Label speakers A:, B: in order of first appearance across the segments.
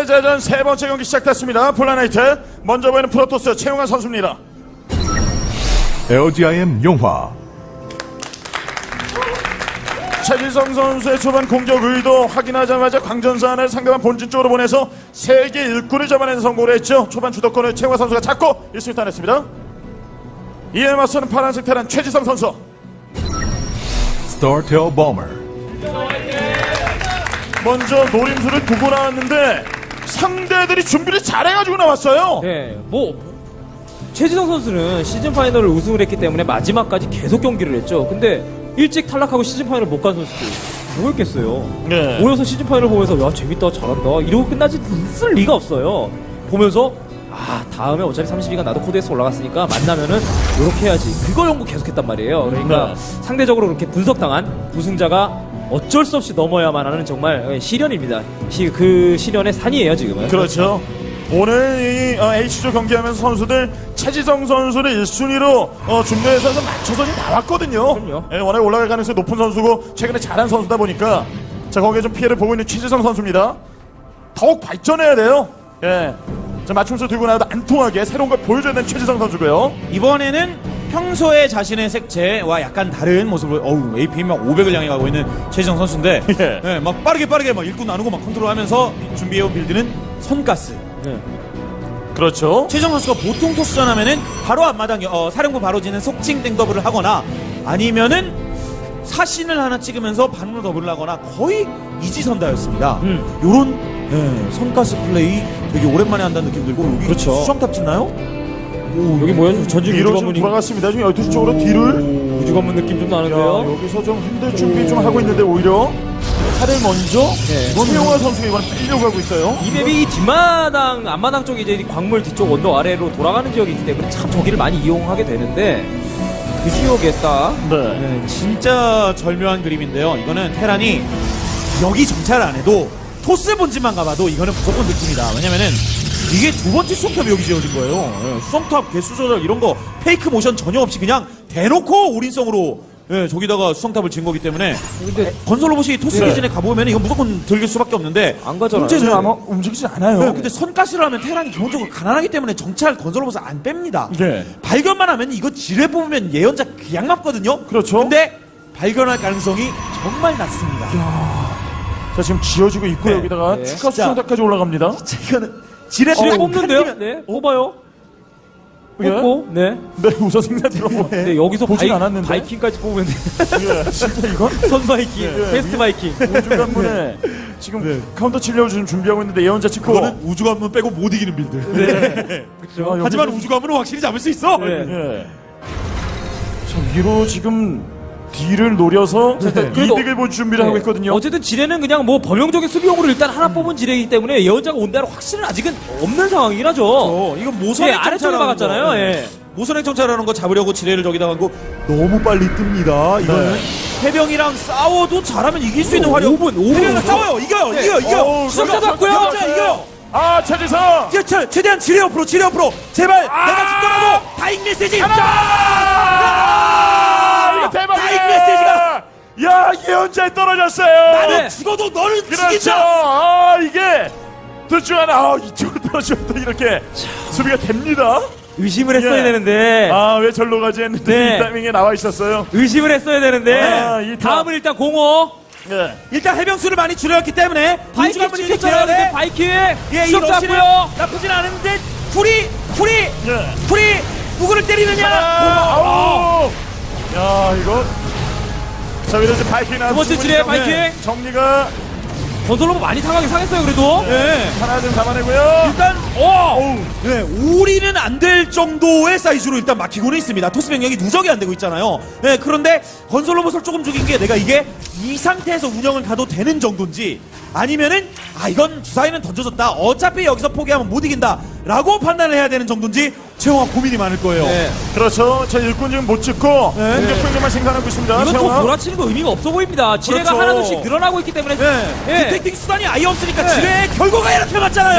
A: 패자전 세 번째 경기 시작됐습니다. 폴라나이트 먼저 보이는 프로토스 최용환 선수입니다.
B: LGIM 용화.
A: 최지성 선수의 초반 공격 의도 확인하자마자 광전산을 상대방 본진 쪽으로 보내서 세계 일꾼을 잡아내는 성공을 했죠. 초반 주도권을 최용환 선수가 잡고 1승을 따냈습니다. 이에 맞서는 파란색 테란 최지성 선수.
B: Startail Bomber.
A: 먼저 노림수를 두고 나왔는데 상대들이 준비를 잘해가지고 나왔어요.
C: 네, 최지성 선수는 시즌 파이널을 우승을 했기 때문에 마지막까지 계속 경기를 했죠. 근데 일찍 탈락하고 시즌 파이널 못 간 선수들 뭐였겠어요.
A: 네.
C: 모여서 시즌 파이널 보면서 야 재밌다 잘한다 이러고 끝나지 있을 리가 없어요. 보면서 다음에 어차피 32가 나도 코드에서 올라갔으니까 만나면은 이렇게 해야지. 그걸 연구 계속했단 말이에요. 그러니까
A: 네.
C: 상대적으로 그렇게 분석당한 우승자가 어쩔 수 없이 넘어야만 하는 정말 시련입니다. 그 시련의 산이에요 지금은.
A: 그렇죠. 오늘 이 H조 경기하면서 선수들 최지성 선수를 1순위로 준비해서 맞춰서 지금 나왔거든요.
C: 그럼요.
A: 예, 워낙 올라갈 가능성이 높은 선수고 최근에 잘한 선수다 보니까 자 거기에 좀 피해를 보고 있는 최지성 선수입니다. 더욱 발전해야 돼요. 예. 자 맞춤수 들고 나와도 안 통하게 새로운 걸 보여줘야 되는 최지성 선수고요.
D: 이번에는 평소에 자신의 색채와 약간 다른 모습을 APM 막 500을 향해 가고 있는 최지성 선수인데
A: 예.
D: 예, 막 빠르게 막 일꾼 나누고 막 컨트롤하면서 준비해온 빌드는 선가스.
C: 네.
A: 그렇죠.
D: 최지성 선수가 보통 토스전 하면은 바로 앞마당 사령부 바로 지는 속칭 땡더블을 하거나 아니면은 사신을 하나 찍으면서 반으로 더블을 하거나 거의 이지선다였습니다. 요런 선가스 플레이 되게 오랜만에 한다는 느낌 들고 여기
C: 그렇죠.
D: 수정탑 짓나요?
C: 여기 뭐야 전진
A: 뒤로 좀
C: 우주관문이
A: 돌아갔습니다. 지금 12시 쪽으로 뒤를
C: 우주관문 느낌 좀
A: 야,
C: 나는데요.
A: 여기서 좀 흔들 준비 좀 하고 있는데 오히려 차를 먼저
C: 네.
A: 최용환 선수가 이번에 빼려고 하고 있어요.
C: 이 맵이 이 뒷마당, 앞마당 쪽이 이제 광물 뒤쪽 언덕 아래로 돌아가는 지역이 있기 때문에 참 저기를 많이 이용하게 되는데 그 지역에 딱
A: 네.
D: 진짜 절묘한 그림인데요. 이거는 테란이 여기 정찰을 안 해도 토스 본진만 가봐도 이거는 무조건 느낍니다. 왜냐면은 이게 두 번째 수성탑이 여기 지어진 거예요. 수성탑 개수 조절 이런 거 페이크 모션 전혀 없이 그냥 대놓고 올인성으로 저기다가 수성탑을 지은 거기 때문에
C: 근데
D: 건설 로봇이 토스
A: 네.
D: 기진에 가보면 이건 무조건 들길 수밖에 없는데
C: 안 가잖아요.
A: 문제는
D: 문제는
A: 아마 움직이지 않아요.
D: 근데 선가스를 하면 테란이 기본적으로 가난하기 때문에 정찰 건설 로봇을 안 뺍니다.
A: 네.
D: 발견만 하면 이거 지뢰 뽑으면 예언자 그냥 맞거든요.
A: 그렇죠.
D: 근데 발견할 가능성이 정말 낮습니다.
A: 자 지금 지어지고 있고
D: 네.
A: 여기다가
C: 네.
A: 추가
D: 진짜.
A: 수정탑까지 올라갑니다.
D: 이거는 지뢰
C: 지뢰
D: 딱
C: 뽑는데요?
D: 칸이면-
C: 네, 뽑아요.
A: 예?
C: 뽑고, 네.
A: 네 우선 생산 들어보.
C: 네, 여기서
A: 보진 않았는데.
C: 바이킹까지 뽑으면 돼.
A: 예, 진짜 이건
C: 선 바이킹,
A: 예.
C: 패스트 바이킹.
A: 우주관문에 지금 카운터 치려고 지금 준비하고 있는데 예언자 찍고.
D: 그거는 우주관문 빼고 못 이기는 빌드.
A: 아,
D: 하지만
A: 여기서-
D: 우주관문은 확실히 잡을 수 있어.
C: 네.
A: 예. 자 위로 지금 D를 노려서 일단
C: 그래도-
A: 이득을 볼 준비를 하고 있거든요.
C: 어쨌든 지뢰는 그냥 뭐 범용적인 수비용으로 일단 하나 뽑은 지뢰이기 때문에 예언자가 온다는 확신은 아직은 없는 상황이긴 하죠.
D: 이건 모선의
C: 예, 아래쪽에 박았잖아요. 예.
D: 모선의 정찰하는 거 잡으려고 지뢰를 저기다 갖고 너무 빨리 뜹니다. 이거는
A: 네.
D: 해병이랑 싸워도 잘하면 이길 수 있는 화력.
C: 5분, 5분.
D: 해병이랑 싸워요. 이겨요.
C: 네.
D: 이겨요.
A: 어우,
C: 수정자
A: 그렇죠.
C: 받고요.
D: 이겨요. 이겨요.
A: 아 최지성.
D: 이겨, 최대한 지뢰 옆으로 제발 내가 죽더라도 다잉 메시지.
A: 이거 대박이야.
D: 다잉 메시지가
A: 야 예언자에 떨어졌어요.
D: 나는
C: 네.
D: 죽어도 너는
A: 그렇죠.
D: 죽인다.
A: 아 이게 둘 중 하나. 이쪽으로 떨어지면 또 이렇게 수비가 됩니다.
C: 의심을 했어야
A: 예.
C: 되는데.
A: 아 왜 절로 가지 했는데
C: 네.
A: 이 타이밍에 나와 있었어요.
C: 의심을 했어야 되는데.
A: 아, 이
C: 다음은 일단 공호.
A: 네.
D: 일단 해병수를 많이 줄였기 때문에
C: 바이킹
D: 우주관문이
C: 찍혔잖아요.
D: 이겨야 돼.
C: 바이킹.
D: 예, 이
C: 수정
D: 러시는
C: 잡고요.
D: 나쁘진 않은데 풀이
A: 네.
D: 누구를 때리느냐?
A: 아우. 야 이거. 자 위로 이제 바이킹 나왔습니다.
C: 번째 지뢰, 바이킹.
A: 정리가
C: 건설로봇 많이 상했어요 그래도.
D: 네.
A: 하나 좀 잡아내고요.
D: 일단
A: 어우.
D: 네, 오리는 안 될 정도의 사이즈로 일단 막히고는 있습니다. 토스 병력이 누적이 안 되고 있잖아요. 네, 그런데 건설 로봇을 조금 죽인 게 내가 이게 이 상태에서 운영을 가도 되는 정도인지 아니면은 이건 주사위는 던져졌다. 어차피 여기서 포기하면 못 이긴다라고 판단을 해야 되는 정도인지 최영화 고민이 많을 거예요.
C: 네.
A: 그렇죠. 제 일꾼 지금 못 찍고
D: 네.
A: 공격 포인트만 생산하고 있습니다.
C: 이건 또
A: 최영화.
C: 몰아치는 거 의미가 없어 보입니다. 지뢰가
D: 그렇죠.
C: 하나둘씩 늘어나고 있기 때문에.
D: 네.
C: 예.
D: 디텍팅 수단이 아예 없으니까
C: 네.
D: 지뢰의 결과가 이렇게 맞잖아요.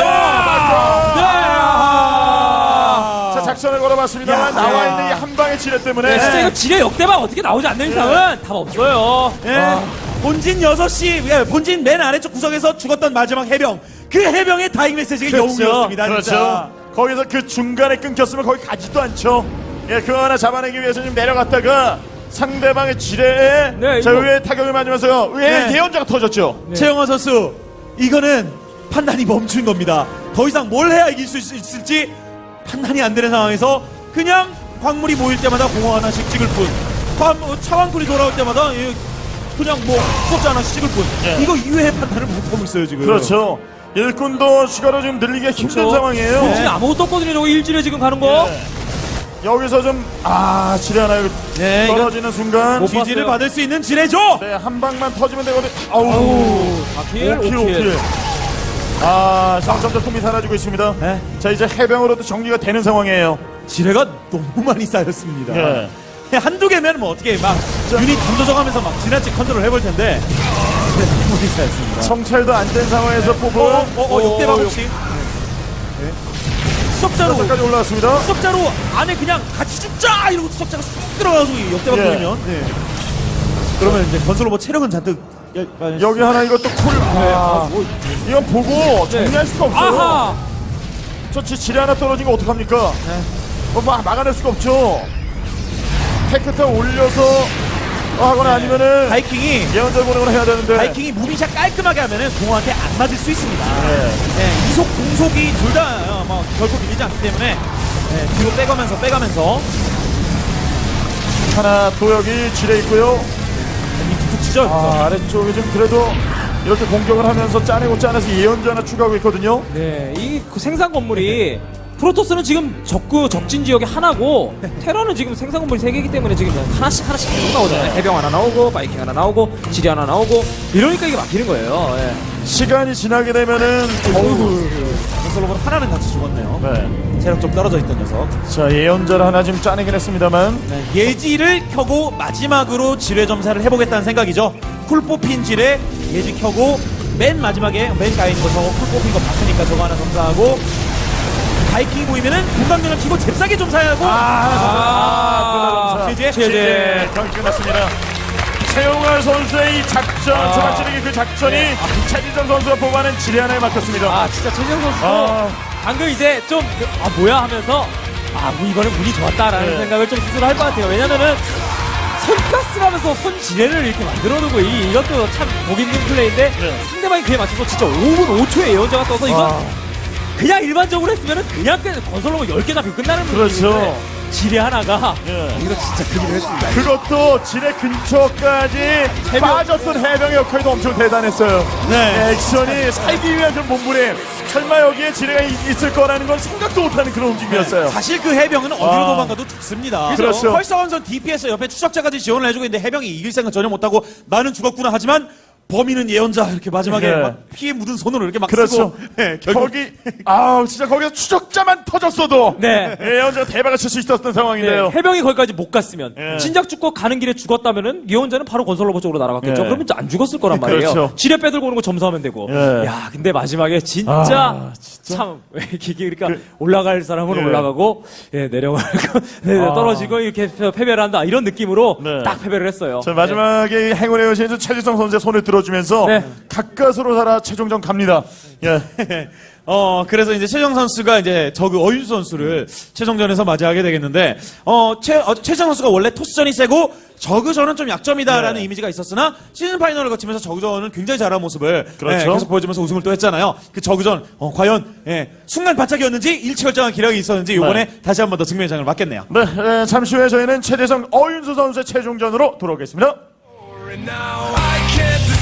A: 자 작전을 걸어봤습니다.
D: 야.
A: 나와 있는 이 한 방의 지뢰 때문에.
C: 네, 진짜 이거 지뢰 역대박 어떻게 나오지 않는 이상은 답 없어요.
D: 예. 본진 6시, 본진 맨 아래쪽 구석에서 죽었던 마지막 해병. 그 해병의 다잉 메시지가 영웅이었습니다.
A: 그렇죠.
D: 진짜.
A: 거기서 그 중간에 끊겼으면 거기 가지도 않죠. 예, 그거 하나 잡아내기 위해서 좀 내려갔다가 상대방의 지뢰에
C: 네,
A: 자,
C: 이거-
A: 의외의 타격을 맞으면서 의외의
D: 네.
A: 예언자가 터졌죠.
D: 최영화 선수, 이거는 판단이 멈춘 겁니다. 더 이상 뭘 해야 이길 수 있을지 판단이 안 되는 상황에서 그냥 광물이 모일 때마다 공허 하나씩 찍을 뿐, 차왕풀이 돌아올 때마다 그냥 뭐 수업자 하나씩 찍을 뿐.
A: 예.
D: 이거 이외의 판단을 못하고 있어요 지금.
A: 그렇죠. 일꾼도 추가로 좀 늘리기가 힘든
C: 그렇죠.
A: 상황이에요.
C: 본진이 아무것도 없거든요. 저거 일질에 지금 가는 거.
A: 예. 여기서 좀 지뢰 하나
D: 네, 이거
A: 떨어지는 순간
C: 못
D: 지지를
C: 봤어요.
D: 받을 수 있는 지뢰죠.
A: 네, 한 방만 터지면 되거든. 아우,
C: 아우, 4킬,
A: 5킬,
C: 5킬.
A: 5킬. 점점 폼이 사라지고 있습니다.
D: 네.
A: 자, 이제 해병으로도 정리가 되는 상황이에요.
D: 지뢰가 너무 많이 쌓였습니다.
A: 예.
D: 한두 개면 뭐 어떻게 막 유닛 던져져가면서 막 지나치 컨트롤 해볼 텐데 너무 많이 쌓였습니다.
A: 성찰도 안 된 상황에서 뽑은
D: 역대박 혹시 수석자로
A: 까지 올라왔습니다.
D: 수석자로 안에 그냥 같이 죽자 이러고 수석자가 쑥 들어가서 역대박
A: 예.
D: 돌리면 그러면 이제 건설 로봇 체력은 잔뜩
A: 여기 하나 이것도 쿨. 이건 보고 정리할 수가 없어요.
C: 아하!
A: 저 지뢰 하나 떨어진 거 어떡합니까? 막아낼 수가 없죠. 테크타 올려서 하거나 아니면은
D: 바이킹이
A: 예언자 보내거나 해야 되는데.
D: 바이킹이 무빙샷 깔끔하게 하면은 공허한테 안 맞을 수 있습니다.
A: 네.
D: 네, 이속 공속이 둘 다 결코 밀리지 않기 때문에 뒤로 빼가면서
A: 하나 도역이 지뢰 있고요.
D: 툭툭 치죠.
A: 아래쪽에 좀 그래도 이렇게 공격을 하면서 짜내고 짜내서 예언자 하나 추가하고 있거든요.
C: 네, 이 생산 건물이 프로토스는 지금 적진 지역이 하나고 테러는 지금 생산 건물이 3개이기 때문에 지금 하나씩 계속 나오잖아요. 해병 하나 나오고 바이킹 하나 나오고 지리 하나 나오고 이러니까 이게 막히는 거예요. 예.
A: 시간이 지나게 되면은
D: 건설 로봇 하나는 같이 죽었네요.
A: 네.
D: 체력 좀 떨어져 있던 녀석.
A: 자, 예언자를 하나 지금 짜내긴 했습니다만.
D: 예지를 켜고 마지막으로 지뢰 점사를 해보겠다는 생각이죠. 쿨 뽑힌 지뢰 예지 켜고 맨 마지막에 맨 가에 있는 거 저거 쿨 뽑힌 거 봤으니까 저거 하나 점사하고 바이킹이 보이면은 공강면을 키고 잽싸게 점사하고
A: 제재 경기 끝났습니다. 최용환 선수의 이 작전, 초반 찌르기 그 작전이 최지정 선수가 뽑아낸 지뢰 하나에 막혔습니다.
C: 진짜 최재형 선수도 방금 이제 좀 뭐야 하면서 뭐 이번에 운이 좋았다라는
A: 네.
C: 생각을 좀 스스로 할 것 같아요. 왜냐면은 손가스라면서 손 지뢰를 이렇게 만들어두고 이것도 참 보기 힘든 플레이인데
A: 네.
C: 상대방이 그에 맞춰서 진짜 5분 5초에 예언자가 떠서 이건 그냥 일반적으로 했으면은 그냥 건설로만 10개 잡히고 끝나는
A: 그렇죠.
C: 문제인데 지뢰 하나가
A: 예.
C: 이거 진짜 그 일을 했습니다.
A: 그것도 지뢰 근처까지 빠졌던 해병의 역할도 엄청 대단했어요.
D: 네.
A: 액션이 살기 위한 좀 몸부림. 설마 여기에 지뢰가 있을 거라는 건 생각도 못하는 그런 움직임이었어요.
D: 사실 그 해병은 어디로 도망가도 죽습니다.
A: 그렇죠.
D: 헐사원선 DPS 옆에 추적자까지 지원을 해주고 있는데 해병이 이길 생각 전혀 못하고 나는 죽었구나 하지만 범인은 예언자 이렇게 마지막에
A: 네.
D: 막 피에 묻은 손으로 이렇게 막
A: 그렇죠.
D: 쓰고 결국
A: 거기 진짜 거기서 추적자만 터졌어도
C: 네.
A: 예언자가 대박을 칠 수 있었던 상황인데요.
C: 해병이 거기까지 못 갔으면
A: 예.
C: 진작 죽고 가는 길에 죽었다면은 예언자는 바로 건설 로봇 쪽으로 날아갔겠죠.
A: 예.
C: 그러면 안 죽었을 거란 말이에요.
A: 그렇죠.
C: 지뢰 빼들고 오는 거 점수하면 되고.
A: 예.
C: 야, 근데 마지막에 진짜 참 이게 그러니까 올라갈 사람은
A: 예.
C: 올라가고 내려가고 떨어지고 이렇게 패배를 한다 이런 느낌으로
A: 네.
C: 딱 패배를 했어요.
A: 자, 마지막에 행운의 여신에서 최지성 선수의 손을 들어주면서
C: 네.
A: 가까스로 살아 최종전 갑니다. 예.
D: 그래서 이제 최정 선수가 이제 저그 어윤수 선수를 최종전에서 맞이하게 되겠는데, 최정 선수가 원래 토스전이 세고, 저그전은 좀 약점이다라는
A: 네.
D: 이미지가 있었으나, 시즌 파이널을 거치면서 저그전은 굉장히 잘한 모습을
A: 그렇죠.
D: 계속 보여주면서 우승을 또 했잖아요. 그 저그전, 과연, 순간 반짝이었는지, 일치월장한 기량이 있었는지, 요번에 다시 한 번 더 증명장을 맞겠네요.
A: 네, 잠시 후에 저희는 최재성 어윤수 선수의 최종전으로 돌아오겠습니다.
B: Now I can't